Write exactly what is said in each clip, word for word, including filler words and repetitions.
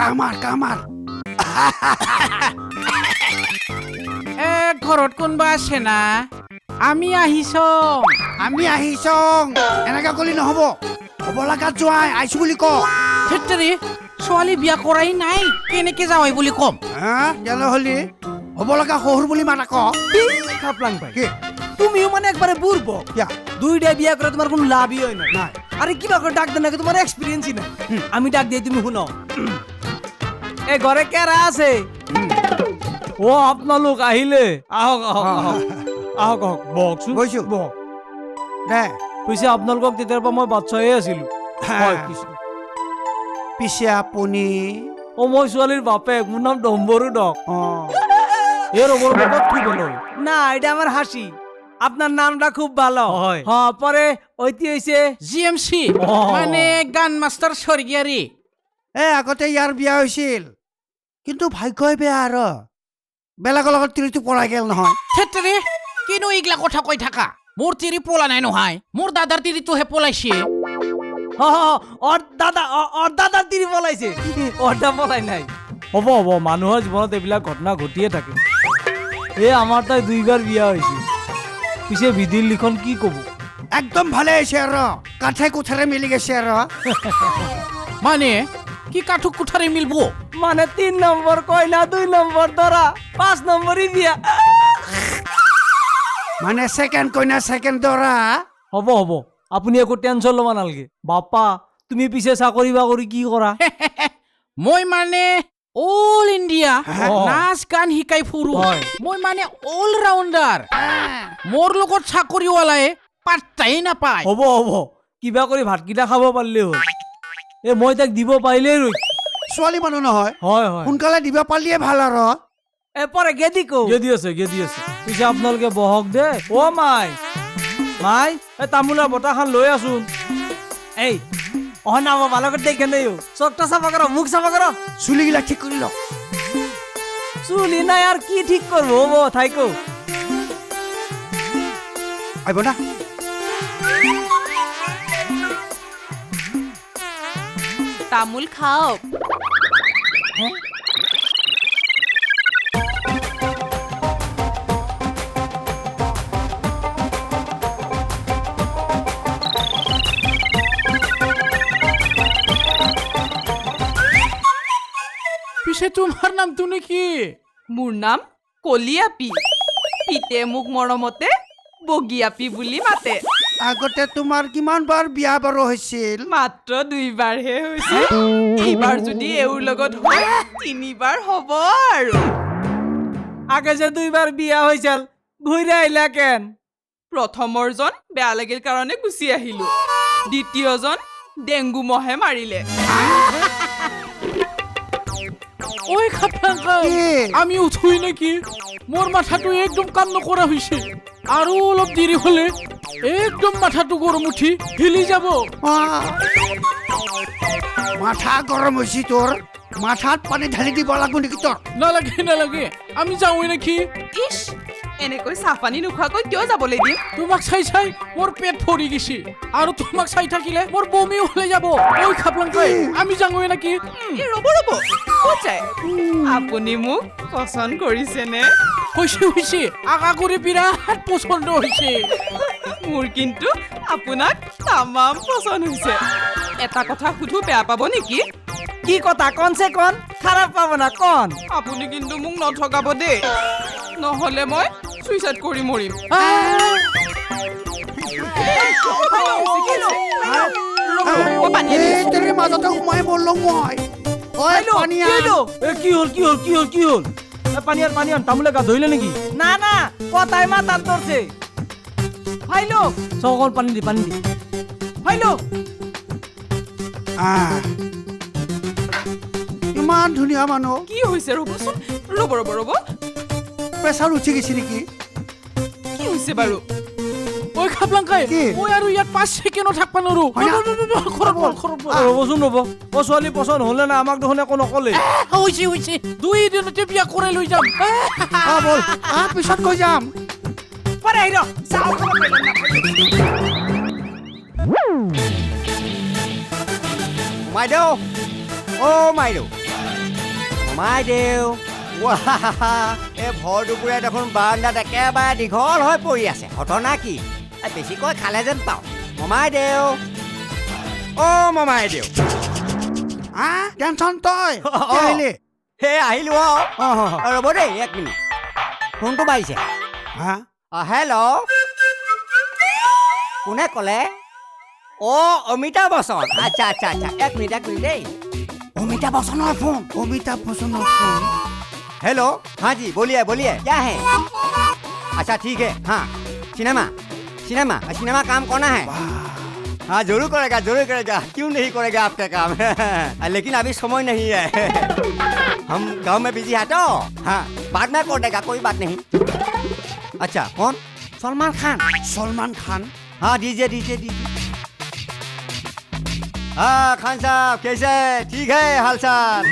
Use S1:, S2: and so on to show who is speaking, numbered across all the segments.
S1: Comer comer
S2: এ ঘৰত কোনবা আছে না আমি আহিছো
S1: আমি আহিছং এনেকা কলি নহব হ'ব লাগাত যোৱাই আইছো বুলি ক
S2: ফেক্টৰী ছোৱালী বিয়া কৰাই নাই কেনেকে যাৱাই বুলি কম
S1: হা জানো হলি হ'ব লগা শহুৰ বুলি মাতা ক
S3: খাপলাং ভাই
S1: কি
S3: তুমিও মানে একবারে বুড়ব
S1: কিয়া
S3: দুইটা বিয়া করে তোমার কোনো লাভই হয় না
S1: নাই
S3: আরে কিবা করে ডাক দেন নাকি তোমার এক্সপিরিয়েন্সই না আমি ডাক দিয়ে তুমি শুনো এ ঘরে কেরা আছে ও আপনালোক আহিলে আহক আহক আহক আহক আহক বকচোন
S1: বহিছো।
S3: বক
S1: দে
S3: পিছে আপোনালোকক তেতিয়াৰ পৰা মই বাচ্চায়ে আছিলো হয় কৃষ্ণ
S1: পিছে আপুনি
S3: অ মই ছোৱালীৰ বাপেক মোৰ নাম ডম্বৰু ডক
S1: অ
S3: এর ওপর কত কি বলো না এটা আমার হাসি আপনার নামটা খুব ভালো হয় হ্যাঁ পরে ঐতি হইছে
S2: জি এম চি মানে গান মাষ্টাৰ স্বৰ্গীয়াৰী
S1: এ আগতে ইয়াৰ বিয়া হৈছিল কিন্তু ভাগ্যই বেয়া আৰু বেলেগৰ লগত তিৰিটো পৰাই গেল নহয়
S2: ফেক্টৰী কিনো এইগিলা কথা কৈ থাকা মোৰ তিৰি পলা নাই নহয় মোৰ দাদাৰ তিৰিটোহে পলাইছে
S3: ওর দাদা ওর দাদার তিরি পলাইছে ওরটা পলাই নাই হ'ব হ'ব মানুহৰ জীৱনত এইবিলাক ঘটনা ঘটিয়ে থাকে এ আমাৰ তাই দুইবাৰ বিয়া হৈছে পিছে বিধিৰ লিখন কি ক'ব
S1: একদম ভালে হৈছে আৰু কাঠে কোঠাৰে মিলি গৈছে আৰু
S2: মানে কি কাঠুক কুঠাৰে মিলব
S3: মানে তিন নম্বৰ কইনা দুই নম্বৰ দৰা পাঁচ নম্বৰী বিয়া
S1: মানে ছেকেণ্ড কইনা ছেকেণ্ড দৰা
S3: হ'ব হ'ব আপুনি একো টেনশ্যন ল'ব নালাগে বাপা তুমি পিছে চাকৰি বাকৰি কি কৰা
S2: মই মানে অল ইণ্ডিয়া
S3: অ।
S2: নাচ গান শিকাই ফুৰো
S3: হয়।
S2: মই মানে অল ৰাউণ্ডাৰ মোৰ লগত চাকৰিৱালাই পাত্তাই নাপায়
S3: হ'ব হ'ব কিবা কৰি ভাতকেইটা খাব পাৰিলে হ'ল এ মই তাক দিব পাৰিলেই ৰৈ
S1: ছোৱালী মানুহ নহয়
S3: হয় হয়
S1: সোনকালে দিব পাৰিলে ভাল আৰু
S3: এ পৰে গেদি কো গেদি আছে গেদি আছে পিছে আপোনালোকে বহক দে অ মাই মাই এ তামোলৰ বটাখন লৈ আছোন এই অহ নাম ভালকৈ দেখে নেই চকটা চাফা কৰ মুখ চাফা কৰ
S1: চুলিগিলা ঠিক কৰি ল
S3: চুলি নাই আর কি ঠিক করবো হ'ব থাইকো
S1: আহিব না
S4: তামোল খাওক
S2: পিছে তোমাৰ নামটো নেকি
S4: মোৰ নাম কলিয়াপি পিতে মোক মৰমতে বগিয়াপি বুলি মাতে
S1: আগতে তোমাৰ কিমান বাৰ বিয়া বাৰু হৈছিল
S4: মাত্ৰ দুইবাৰহে হৈছে এইবাৰ যদি এওঁৰ লগত হয় তিনিবাৰ হ'ব আৰু
S3: আগে যে দুইবাৰ বিয়া হৈছিল ঘূৰি আহিলা কেন
S4: প্ৰথমৰজন বেয়া লাগিল কাৰণে গুচি আহিলো দ্বিতীয়জন ডেংগু মহে মাৰিলে
S2: ঐ খাপলাংকা
S1: কি?
S2: আমি উঠোই নেকি মোৰ মাথাটো একদম কাম নকৰা হৈছে আৰু অলপ দেৰি হলে একদম মাথাটো গৰম উঠি হিলি যাব
S1: আহ। মাথা গৰম হৈছে তোৰ মাথাত পানী ঢালি দিব লাগিব নেকি তোৰ
S2: নালাগে নালাগে আমি যাওঁৱে নেকি
S4: ইছ এনেকৈ চাহ পানী নোখোৱাকৈ কিয় যাবলৈ দিম
S2: তোমাক চাই চাই মোৰ পেট ভৰি গৈছে আৰু তোমাক চাই থাকিলে মোৰ বমি ওলাই যাব ঐ খাপলাংকাই আমি যাওঁৱে নেকি
S4: এই ৰ'ব ৰ'ব ক'ত যায় আপুনি মোক পচন্দ কৰিছেনে
S2: হৈছে হৈছে আগা কৰি বিৰাট পচন্দ হৈছে
S4: মোৰ কিন্তু আপোনাক তামাম পচন্দ হৈছে এটা কথা সুধো বেয়া পাব নেকি
S3: কি কথা কনছে কন খারাপ পাবো না কন
S4: আপুনি কিন্তু মোক নঠগাব দেই নহ'লে মই চুইচাইড কৰি মৰিম
S2: আহ!
S4: অ, পানী আনি
S1: এই তোৰ মাজতে সোমাই বললো মই ঐ পানী আন।
S3: এ কি হল কি হল কি হল কি হল এ পানিয়ান পানিয়ান তামুলে গা ধইলে নেকি না না কথাই মাতার ধরছে ফাইলো সকল পানি দি পানি দি ফাইলো
S1: আহ। ইমান ধুনীয়া মানুহ
S4: কি হৈছে ৰ'বচোন ৰ'ব ৰ'ব ৰ'ব
S1: প্ৰেছাৰ উঠি গৈছে নেকি
S4: কি হৈছে বাৰু
S2: ঐ খাপলাংকাই
S1: কি?
S2: মই আৰু ইয়াত পাঁচ ছেকেণ্ডো থাকবা নোৱাৰো
S1: হয় না?
S2: ঘৰত বল ঘৰত বল
S3: ৰ'বচোন ৰ'ব অ ছোৱালী পচন্দ হলে না আমাক দেখোন একো নকলে
S2: আহ, হৈছে হৈছে দুই দিনতে বিয়া কৰাই লৈ যাম আহ!
S1: আহ বল আহ পিছত কৈ যাম
S3: পরে আইরো যাও
S5: মাইদেউ অ মাইদেউ মমাই দেউ এই ভৰ দুপৰীয়া দেখোন বাৰাণ্ডাত একেবাৰে দীঘল হৈ পৰি আছে ঘটনা কি বেছিকৈ খালে যেন পাওঁ মমাই দেউ অ' মমাই দেউ
S1: হা টেনচন তই
S5: অ।
S1: আহিলি
S5: সেই আহিলো
S1: অ
S5: অ ৰ'ব দেই এক মিনিট ফোনটো বাঢ়িছে
S1: হা
S5: অ হেল্ল' কোনে ক'লে অ' অমিতাভ বচ্চন আচ্ছা আচ্ছা আচ্ছা এক মিনিট এক মিনিট দেই অমিতাভ বচ্চনৰ ফোন
S1: অমিতাভ বচ্চনৰ ফোন
S5: हेलो हाँ जी बोलिए बोलिए क्या है अच्छा ठीक है हाँ सिनेमा सिनेमा सिनेमा काम करना है हाँ जरूर करेगा जरूर करेगा क्यों नहीं करेगा आपका काम लेकिन अभी समय नहीं है हम गांव में बिजी है तो हाँ बाद में कर देगा कोई बात नहीं अच्छा कौन सलमान खान
S1: सलमान खान
S5: हाँ दीजिए दीजिए दीजिए हाँ खान साहब कैसे ठीक है हाल चाल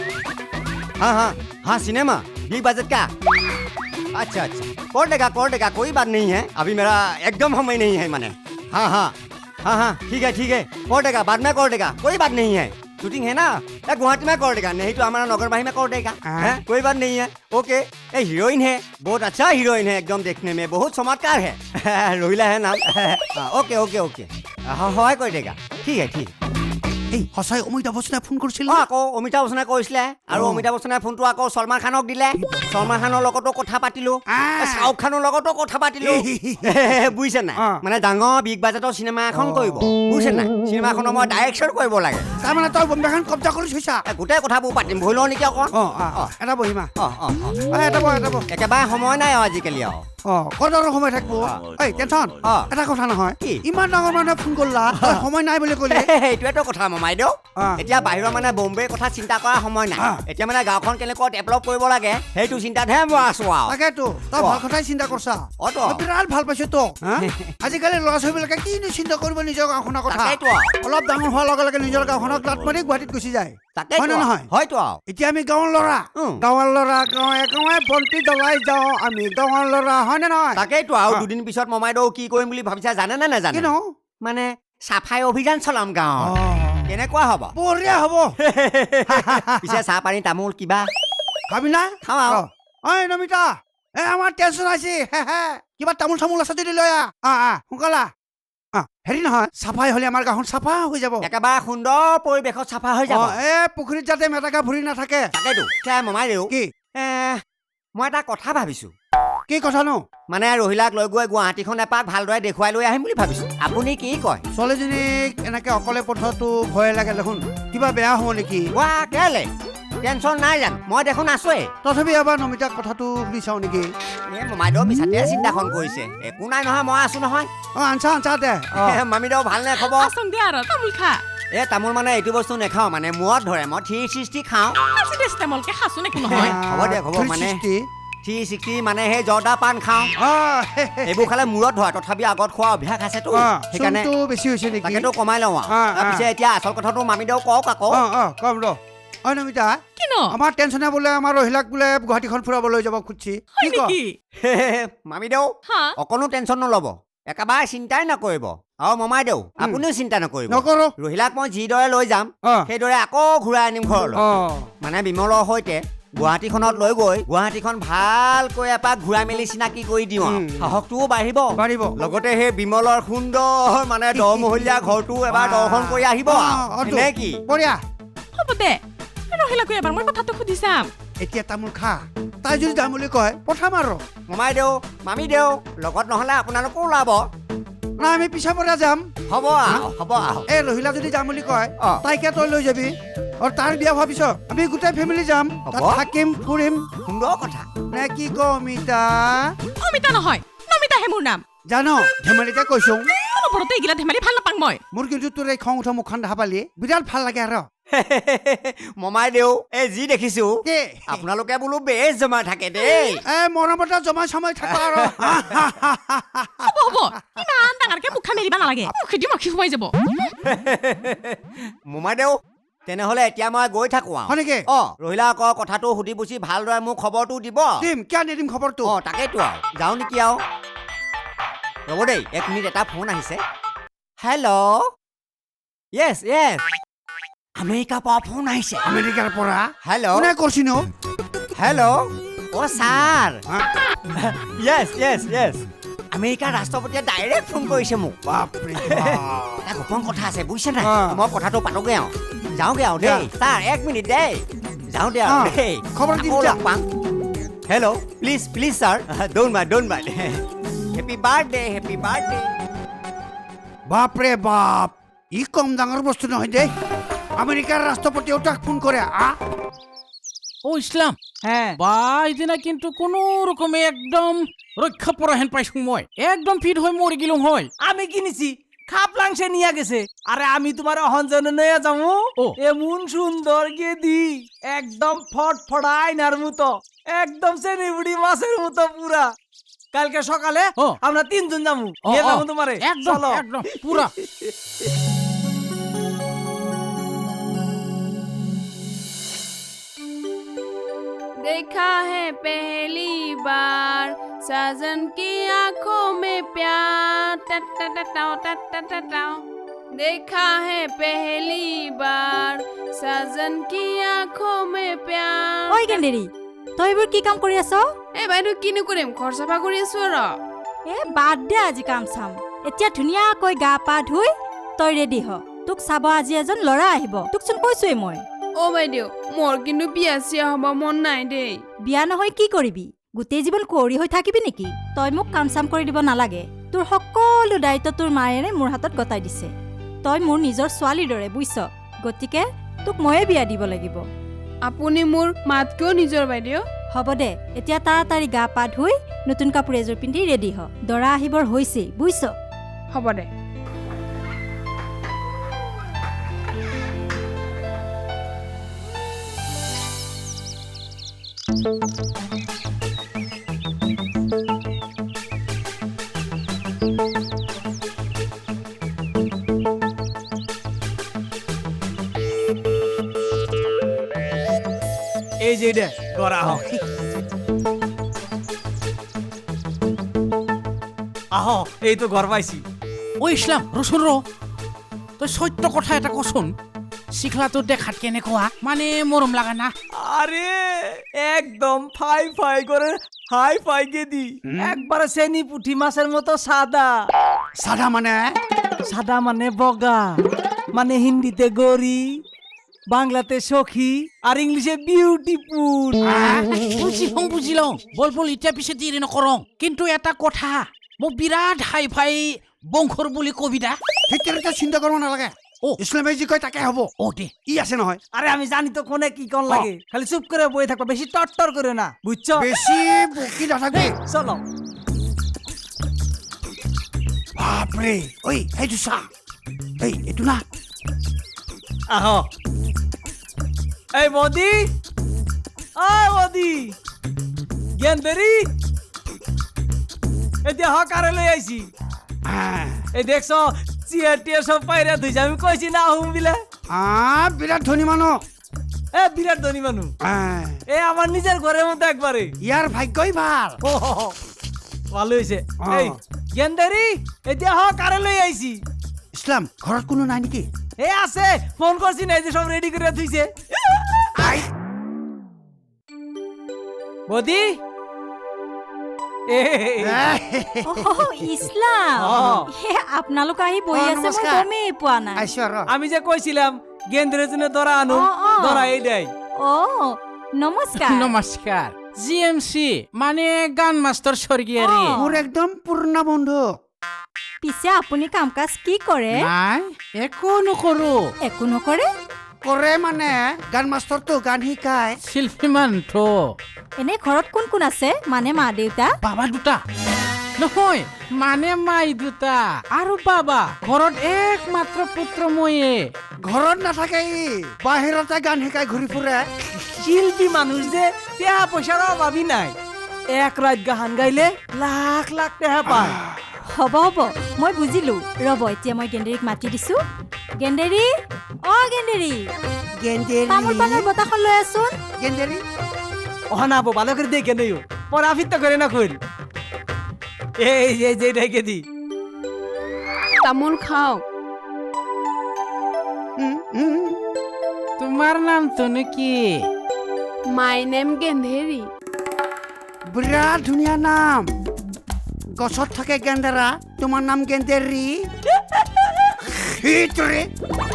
S5: हाँ हाँ हाँ सिनेमा बिग बजट का अच्छा अच्छा कर देगा कर देगा कोई बात नहीं है अभी मेरा एकदम समय नहीं है मैंने हाँ हाँ हाँ हाँ ठीक है ठीक है कर देगा बाद में कर देगा कोई बात नहीं है शूटिंग है ना या गुवाहाटी में कर देगा नहीं तो हमारा नगरबाही में कर देगा है कोई बात नहीं है ओके ये हीरोइन है बहुत अच्छा हीरोइन है एकदम देखने में बहुत चमत्कार है रोहिला है नाम हाँ, ओके ओके ओके हाँ हाँ कर देगा ठीक है ठीक है
S1: এই সঁচাই অমিতাভ বচ্চনে ফোন কৰিছিল
S5: অ আকৌ অমিতাভ বচ্চনে কৈছিলে আৰু অমিতাভ বচ্চনে ফোনটো আকৌ সলমান খানক দিলে সলমান খানৰ লগতো কথা পাতিলো শাহৰুখ খানৰ লগতো কথা পাতিলো বুজিছে নাই মানে ডাঙৰ বিগ বাজেটৰ চিনেমা এখন কৰিব বুজিছে নাই চিনেমাখনৰ মই ডাইৰেকশ্যন কৰিব লাগে
S1: তাৰমানে তই বম্বেখন কব্জা কৰি থৈছা
S5: গোটেই কথাবোৰ পাতিম ভুল নেকি অকণ
S1: অ অ এটা বহিমা
S5: অ অ
S1: এটা বহ এটা বহ
S5: একেবাৰে সময় নাই আৰু আজিকালি আৰু
S1: অ কদৰৰ সময় থাকিব এই টেনচন
S5: অ।
S1: এটা কথা নহয়
S5: কি?
S1: ইমান ডাঙৰ মানুহে ফোন কৰিলা তই সময় নাই বুলি ক'লি
S5: সেইটোৱেতো কথা মমাই দিওঁ
S1: অ।
S5: এতিয়া বাহিৰৰ মানে বম্বেৰ কথা চিন্তা কৰা সময় নাই
S1: অ।
S5: এতিয়া মানে গাঁওখন কেনেকৈ ডেভেলপ কৰিব লাগে সেইটো চিন্তাতহে মই আছো আৰু
S1: তাকেতো তই
S5: অ।
S1: ভাল কথাই চিন্তা কৰছা
S5: অ তো।
S1: মই বিৰাট ভাল পাইছো তো হা? আজিকালি ল'ৰা ছোৱালীবিলাকে কিনো চিন্তা কৰিব নিজৰ গাঁওখনৰ কথা
S5: তাকেইতো আৰু।
S1: অলপ ডাঙৰ হোৱাৰ লগে লগে নিজৰ গাঁওখনক লাট মাৰি গুৱাহাটীত গুচি যায়
S5: তাকেইতো
S1: হয় নে
S5: আৰু।
S1: নহয়
S5: হয়তো আৰু
S1: এতিয়া আমি গাঁৱৰ ল'ৰা
S5: উম।
S1: গাঁৱৰ ল'ৰা গাঁৱে গাঁৱে বন্তি জ্বলাই যাওঁ আমি গাঁৱৰ ল'ৰা হয় নে নহয়
S5: তাকেইতো আৰু
S1: অ।
S5: দুদিন পিছত মমাইদেউ কি কৰিম বুলি ভাবিছা জানে নে নাজানে
S1: কিনো
S5: মানে চাফাই অভিযান চলাম গাঁৱত
S1: অ।
S5: কেনেকুৱা হ'ব
S1: বঢ়িয়া হ'ব
S5: পিছে চাহ পানী তামোল কিবা
S1: খাবি না
S5: খাওঁ আৰু।
S1: অ। ঐ নমিতা এ আমাৰ টেনচন আছে হে হে কিবা তামোল চামোল আছে যদি লৈ আহ আহ আহ সোনকালে আহ। অ, হেৰি নহয় চাফাই হ'লে আমাৰ গাঁওখন চাফা হৈ যাব
S5: একেবাৰে সুন্দৰ পৰিৱেশত চাফা হৈ যাব
S1: অ, এ পুখুৰীত যাতে মেটেকা ভৰি নাথাকে
S5: তাকেইতো এতিয়া মমাইদেউ
S1: কি
S5: এ মই এটা কথা ভাবিছো
S1: কি কথানো
S5: মানে ৰহিলাক লৈ গৈ গুৱাহাটীখন এপাক ভালদৰে দেখুৱাই লৈ আহিম বুলি ভাবিছো আপুনি কি কয়
S1: ছোৱালীজনীক এনেকে অকলে পঠোৱাটো ভয় লাগে দেখোন কিবা বেয়া হ'ব নেকি
S5: ৱা কেলে টেনচন নাই জানো মই দেখোন আছোৱেই
S1: তথাপি এবাৰ নমিতাক কথাটো সুধি চাওঁ নেকি
S5: এই মমাইদেউ মিছাতে চিন্তাখন কৰিছে একো নাই নহয় মই আছো নহয়
S1: অ আনচা আনচা দে অ।
S5: মামীদেউ ভালনে খবৰ
S4: আচোন দিয়া আৰু তামোল খা
S5: এ তামোল মানে এইটো বস্তু নেখাওঁ মানে মূৰত ধৰে মই থ্ৰী ছিক্সটি খাওঁ
S4: আজি দেশ তামোলকে খাচোন একো নহয়
S5: হ'ব দিয়ক, হ'ব, মানে-
S1: থ্ৰী ছিক্সটি।
S5: থ্ৰী ছিক্সটি মানে সেই জৰ্দা পাণ খাওঁ
S1: অ, হে, হে,
S5: এইবোৰ খালে মূৰত ধৰে তথাপি আগত খোৱা অভ্যাস আছেতো
S1: অ,
S5: সেইকাৰণে
S1: চুমটো বেছি হৈছে নেকি
S5: তাকেতো কমাই লওঁ
S1: অ,
S5: আৰু
S1: অ।
S5: পিছে এতিয়া আচল কথাটো মামীদেউ কওক আকৌ
S1: অ অ কম ৰ অ নমিতা
S4: কিনো
S1: আমাৰ টেনচনে বোলে আমাৰ ৰহিলাক বোলে গুৱাহাটীখন ফুৰাবলৈ যাব খুজিছি
S4: হয়
S1: কি ক
S4: নেকি
S5: মামীদেউ
S4: হা
S5: অকণো টেনচন নল'ব একেবাৰে চিন্তাই নকৰিব আৰু মমাইদেউ আপুনিও চিন্তা নকৰিব
S1: নকৰো
S5: ৰহিলাক মই যিদৰে লৈ যাম
S1: অ
S5: সেইদৰে আকৌ ঘূৰাই আনিম ঘৰলৈ
S1: অ
S5: মানে বিমলৰ সৈতে গুৱাহাটীখনত লৈ গৈ গুৱাহাটীখন ভালকৈ এপাক ঘূৰাই মেলি চিনাকি কৰি দিওঁ আৰু।
S1: উম।
S5: সাহসটোও বাঢ়িব
S1: বাঢ়িব
S5: লগতে সেই বিমলৰ সুন্দৰ মানে দহমহলীয়া ঘৰটো এবাৰ দৰ্শন কৰি আহিব
S1: অ,
S5: আৰু।
S1: অ, তো।
S5: নে কি
S1: বঢ়িয়া
S4: হ'ব দে ৰহিলাকৈ এবাৰ মই কথাটো সুধি চাম
S1: এতিয়া তামোল খা তাই যদি যাম বুলি কয় পঠাম আৰু
S5: মমাই দেউ মামী দেউ লগত নহ'লে আপোনালোকো ওলাব
S1: না আমি পিছা পৰা যাম
S5: হ'ব আৰু হ'ব আৰু
S1: এই ৰহিলা যদি যাম বুলি কয়
S5: অ।
S1: তাইকে তই লৈ যাবি আৰু তাৰ বিয়া হোৱাৰ পিছত আমি গোটেই ফেমিলি যাম তাত
S5: হ'ব।
S1: থাকিম ফুৰিম
S5: সুন্দৰ কথা
S1: নে কি ক অমিতা
S4: অমিতা নহয় নমিতাহে মোৰ নাম
S1: জানো ধেমালিতে কৈছো
S4: অলপতে এইগিলা ধেমালি ভাল নাপাং মই
S1: মোৰ কিন্তু তোৰ এই খং উঠা মুখখন দেখা পালি বিৰাট ভাল লাগে আৰু
S5: মমাই দেউ এই যি দেখিছো
S1: কি
S5: আপোনালোকে বোলো বেছ জমা থাকে দেই
S1: এ মৰমতে জমা চমাই থাকা আৰু
S4: হ'ব হ'ব ইমান ডাঙৰকে মুখা মেলিব নালাগে মুখেদি মাখি সোমাই যাব
S5: মোমাই দেউ তেনেহ'লে এতিয়া মই গৈ থাকো
S1: হয়
S5: আৰু
S1: নেকি
S5: অ ৰহিলা আকৌ কথাটো সুধি পুছি ভালদৰে মোক খবৰটো দিব
S1: দিম কিয় নিদিম খবৰটো
S5: অ তাকেইতো আৰু যাওঁ নেকি আৰু ৰ'ব দেই এক মিনিট এটা ফোন আহিছে হেল্ল' য়েছ য়েছ আমেৰিকাৰ পৰা ফোন আহিছে
S1: আমেৰিকাৰ পৰা
S5: হেল্ল'
S1: কোনে কৰিছি নো
S5: হেল্ল' অ' ছাৰ
S1: হা?
S5: য়েছ য়েছ য়েছ আমেৰিকাৰ ৰাষ্ট্ৰপতিয়ে ডাইৰেক্ট ফোন কৰিছে মোক
S1: বাপৰে বাপ।
S5: এটা গোপন কথা আছে বুজিছে নাই
S1: অ।
S5: মই কথাটো পাতোগৈ আৰু যাওঁগৈ আৰু দেই ছাৰ এক মিনিট দেই যাওঁ দে আৰু
S1: অ,
S5: দেই
S1: খবৰ দি
S5: আকৌ
S1: যা।
S5: লগ পাম hello' please please sir don't mind don't mind happy birthday happy birthday
S1: বাপৰে বাপ ই কম ডাঙৰ বস্তু নহয় দেই আমেৰিকাৰ ৰাষ্ট্ৰপতিয়েও তাক ফোন কৰে আ
S2: ও ইছলাম
S3: হ্যাঁ
S2: বা এদিনা কিন্তু কোনো রকমে একদম রক্ষা পরা হেন পাইছো মই একদম ফিট হয়ে মরে গেলুম হয়
S3: আমি কিনেছি খাপ লাংসে নিয়ে গেছে আরে আমি তোমার অহঞ্জনে নিয়ে যাবো
S2: ও।
S3: এমন সুন্দর গেদি একদম ফটফটাই নার মতো একদম সেনিবুড়ি মাছের মতো পুরা কালকে সকালে
S2: ও।
S3: আমরা তিনজন যাবো
S2: ও,
S3: নিয়ে
S2: ও,
S3: যাবো তোমারে
S2: একদম
S3: চলো
S2: একদম পুরা
S6: देखा है पहली बार साजन की आंखों में प्यार टट टट टाओ टट टट टाओ देखा है पहली बार साजन की आंखों में प्यार
S7: ঐ গেন্দেৰি তই এইবোৰ কি কাম কৰি আছ
S6: এ বাইদেউ কিনো কৰিম ঘৰ চাফা কৰি আছো আৰু
S7: এ বাদ দে আজি কাম চাম এতিয়া ধুনীয়াকৈ গা পা ধুই তই ৰেডি হ তোক চাব আজি এজন ল'ৰা আহিব তোকচোন কৈছোৱেই মই
S6: অ বাইদেউ মোৰ কিন্তু বিয়া চিয়া হ'ব মন নাই দেই
S7: বিয়া নহয় কি কৰিবি গোটেই জীৱন কুঁৱৰী হৈ থাকিবি নেকি তই মোক কাম চাম কৰি দিব নালাগে তোৰ সকলো দায়িত্ব তোৰ মায়েৰে মোৰ হাতত গতাই দিছে তই মোৰ নিজৰ ছোৱালীৰ দৰে বুইছ গতিকে তোক ময়ে বিয়া দিব লাগিব
S6: আপুনি মোৰ মাত কিয় নিজৰ বাইদেউ
S7: হ'ব দে এতিয়া তাড়াতাড়ি গা পা ধুই নতুন কাপোৰ এযোৰ পিন্ধি ৰেডি হ দৰা আহিবৰ হৈছেই বুইছ
S6: হ'ব দে
S3: এই যে এটা করা হোক আহ এই তো ঘর পাইছি
S2: ও ইছলাম রসুন র তই সত্য কথা এটা কচোন শিখলাটো দেখাত কেনেকুৱা মানে মৰম লাগা না
S3: আরে একদম ফাই ফাই করে হাই ফাই গেদি একবারে সেনি পুঁটি মাছের মতো সাদা
S1: চাধা মানে
S3: সাদা মানে বগা মানে হিন্দিতে গরি বাংলাতে সখী আর ইংলিশে বিউটিফুল
S2: বুজি লওঁ বুজি লওঁ বল বল এতিয়া পিছে দেৰি নকৰং কিন্তু এটা কথা মোক বিৰাট হাই ফাই বংশৰ বুলি কবিতা
S1: ভিতৰতে চিন্তা কৰিব নালাগে
S2: ও।
S1: ইছলামে যি কয় তাকে হ'ব
S2: ও দে
S1: ই আছে নহয়
S3: আরে আমি জানি তো কোনে কি কোন লাগে খালি চুপ করে বই থাকবা বেশি টট্টর করে না বুঝছো
S1: বেছি বকি নাথাকিবি
S3: চলো
S1: বাপৰে ঐ সেইটো চা এই এইটো না
S3: আহ এই মোদি ও মোদি গেন্দেরি এতিয়া হকারে লই আইছি
S1: আহ,
S3: এই দেখছো চিয়ার টিয়ার সব পাইরা ধুইছে আমি কইছি না হুম বিলে
S1: আহ, বিৰাট ধনী মানুহ
S3: এ বিরাট ধনী মানুষ
S1: আহ,
S3: এ আমার নিজের ঘরের মধ্যে একবারে
S1: ইয়াৰ ভাগ্যই ভাল
S3: ও হো হো, ভালো হয়েছে
S1: অ।
S3: এই গেন্দেরি এতিয়া হকারে লই আইছি
S1: ইছলাম ঘৰত কোনো নাই নেকি
S3: এ আছে ফোন করছি না এই যে সব রেডি করে থুইছে
S1: আই
S3: মোদি এ
S7: অহ, ইছলাম
S3: অ।
S7: হে আপোনালোক আহি বহি
S1: অ,
S7: আছে মই
S1: নমস্কাৰ।
S7: গমেই পোৱা নাই
S1: আহিছো আৰু
S3: আমি যে কইছিলাম গেন্দ্রের জন্য ধরা আনু
S7: অ, অ।
S3: ধরা এই দেয়
S7: অ নমস্কাৰ
S2: নমস্কাৰ জি এম চি মানে গান মাষ্টৰ স্বৰ্গীয়াৰী
S7: অ।
S1: মোৰ একদম পুৰণা বন্ধু
S7: পিছে আপুনি কাম কাজ কি কৰে
S2: নাই একো নকৰো
S7: একো নকৰে
S1: কৰে মানে গান মাষ্টৰটো গান শিকায়
S2: শিল্পী মান্থ
S7: এনে ঘৰত কোন কোন আছে মানে মা দেউতা
S2: বাবা দুটা নহয় মানে মাই দুটা আৰু বাবা ঘৰত একমাত্ৰ পুত্ৰ ময়ে
S1: ঘৰত নাথাকে ই বাহিৰতে গান শিকাই ঘূৰি ফুৰে
S3: শিল্পী মানুষ যে টেহা পয়সার অভাবই নাই এক রাত গান গাইলে লাখ লাখ টেহা পায়
S7: হ'ব হ'ব মই বুজিলো ৰ'ব এতিয়া মই গেণ্ডেৰীক মাতি দিছো গেণ্ডেৰী অ গেণ্ডেৰী তামোল পাণৰ
S1: গেণ্ডেৰী
S7: বতাহখন লৈ আছোন
S1: গেণ্ডেৰী
S3: অনাবো ভালো করে দেখে নেই পর আফিত্ত করে না কইল এই যে যে ডেকে দি
S6: তামোল খাওক
S1: উম, উম,
S2: তোমাৰ নামটোনো কি
S6: মাই নেম গেন্ধেৰি
S1: বিৰাট ধুনীয়া নাম গছত থাকে গেন্দেৰা তোমাৰ নাম গেন্দেৰী সেইটোৰে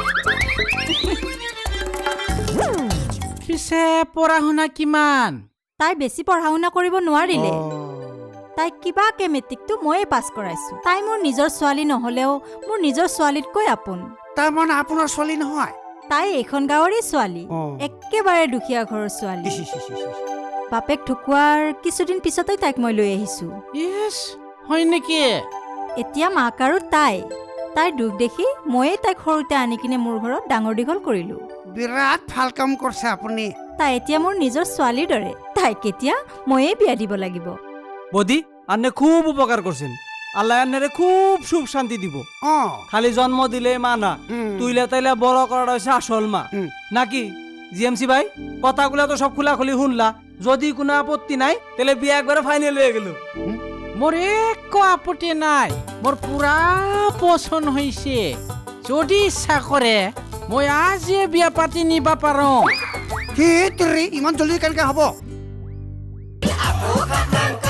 S2: পিছে পঢ়া শুনা কিমান
S7: তাই বেছি পঢ়া শুনা কৰিব নোৱাৰিলে তাইক কিবাকে মেট্ৰিকটো ময়ে পাছ কৰাইছো তাই মোৰ নিজৰ ছোৱালী নহ'লেও মোৰ নিজৰ ছোৱালীতকৈ আপোন
S1: তাৰমানে আপোনাৰ ছোৱালী নহয়
S7: তাই এইখন গাঁৱৰে ছোৱালী
S1: অ।
S7: একেবাৰে দুখীয়া ঘৰৰ ছোৱালী বাপেক ঢুকুৱাৰ কিছুদিন পিছতে তাইক মই লৈ আহিছো
S2: ইছ হয় নেকি
S7: এতিয়া মাক আৰু তাই তাইৰ দুখ দেখি ময়ে তাইক সৰুতে আনি কিনে মোৰ ঘৰত ডাঙৰ দীঘল কৰিলো
S1: বিৰাট ভাল কাম কৰিছে আপুনি
S7: তাই এতিয়া মোৰ নিজৰ ছোৱালীৰ দৰে তাইক এতিয়া ময়ে বিয়া দিব লাগিব
S3: বদি আনে খুব উপকাৰ করছেন আল্লাহ আন্নারে খুব সুখ শান্তি দিব
S1: অ
S3: খালি জন্ম দিলে মা না
S1: উম।
S3: তুইলে তাইলে বড় করাটা হচ্ছে আসল মা
S1: উম।
S3: নাকি জিএমসি ভাই কথাগুলো তো সব খোলা খুলি শুনলা যদি কোনো আপত্তি নাই তাহলে বিয়ে একবারে ফাইনাল হয়ে গেল
S2: মোৰ একো আপত্তি নাই মোৰ পুৰা পচন্দ হৈছে যদি ইচ্ছা কৰে মই আজিয়ে বিয়া পাতি নিবা পাৰো
S1: সেইটোৰে ইমান জলদি কেনেকে হ'ব